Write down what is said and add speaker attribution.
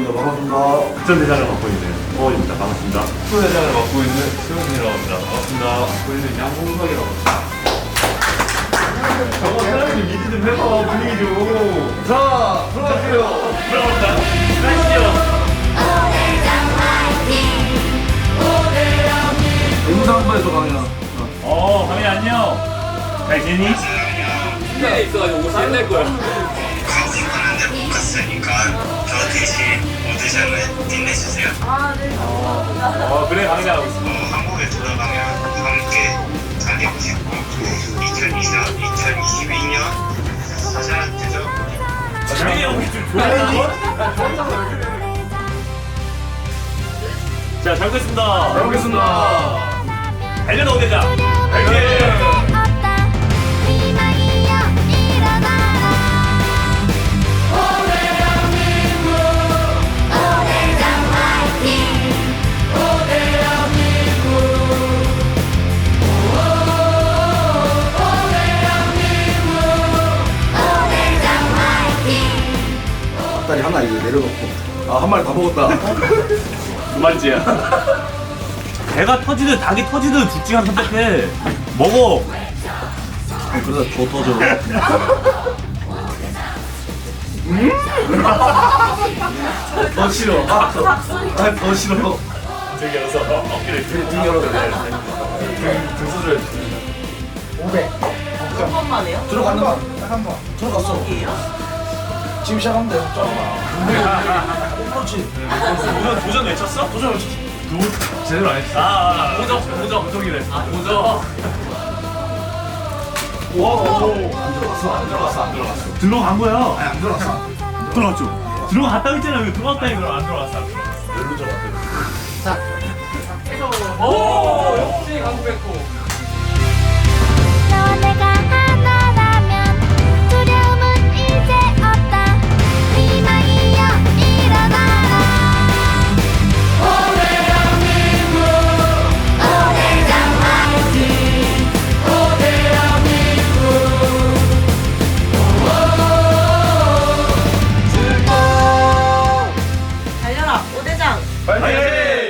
Speaker 1: 반갑습니다.
Speaker 2: 국전대장을 맡고 있는 허원입니다. 반갑습니다.
Speaker 3: 축구대장을 맡고 있는 수현이라고 합니다. 반갑습니다.
Speaker 2: 맡고 있는 양홍석이라고 합니다. 저거 사람들 미드 좀 해봐, 분위기 좀.
Speaker 1: 자, 들어갈게요.
Speaker 2: 들어갑니다. 가시죠.
Speaker 1: 인사 한번 해줘, 강이야.
Speaker 2: 강민 안녕. 잘 지내니?
Speaker 3: 신나게 있어가지고 옷이 옛날 거야.
Speaker 4: 가는데 못 갔으니까 저 대신 오디션을 빛내주세요.
Speaker 2: 그래, 강민아 하고 있어.
Speaker 4: 한국에 돌아가면 함께 달리고 싶고 2022년 사자 되죠?
Speaker 2: 조용히 형이 좀 조용히. 자, 잘 먹겠습니다.
Speaker 1: 잘 먹겠습니다.
Speaker 2: 달려라, 오대장. 달려.
Speaker 1: 다리 하나 이거 내려놓고. 한 마리 다 먹었다.
Speaker 2: 두 마리째야. 배가 터지든 닭이 터지든 둘 중에 하나 선택해. 먹어.
Speaker 1: 그러다 줘 터져. 더 싫어. 더 싫어.
Speaker 2: 저기 열어서 어깨를
Speaker 1: 등 열어도 돼.
Speaker 2: 등수를
Speaker 5: 500. 한 번만에요?
Speaker 1: 들어간다.
Speaker 5: 한 번.
Speaker 1: 들어갔어.
Speaker 5: 이에요?
Speaker 1: 지금 시작하면 돼. 그렇지.
Speaker 2: 도전 외쳤어?
Speaker 1: 도전 외쳤어.
Speaker 3: 제대로 안 했어.
Speaker 2: 도전이래. 도전.
Speaker 1: 안 들어갔어.
Speaker 2: 들어간 거야.
Speaker 1: 아니, 안 들어갔어.
Speaker 2: 들어갔죠. 들어갔다고 했잖아. 왜 들어갔다 이거 안 들어갔어.
Speaker 1: 열로 잡았대.
Speaker 3: 오, 역시 강구백호.
Speaker 6: 너네가 하나라면 두려움은 이제 없다. 희망이여 일어나라. 오대장 화이팅.
Speaker 5: 달려라, 오대장.
Speaker 2: 파이팅!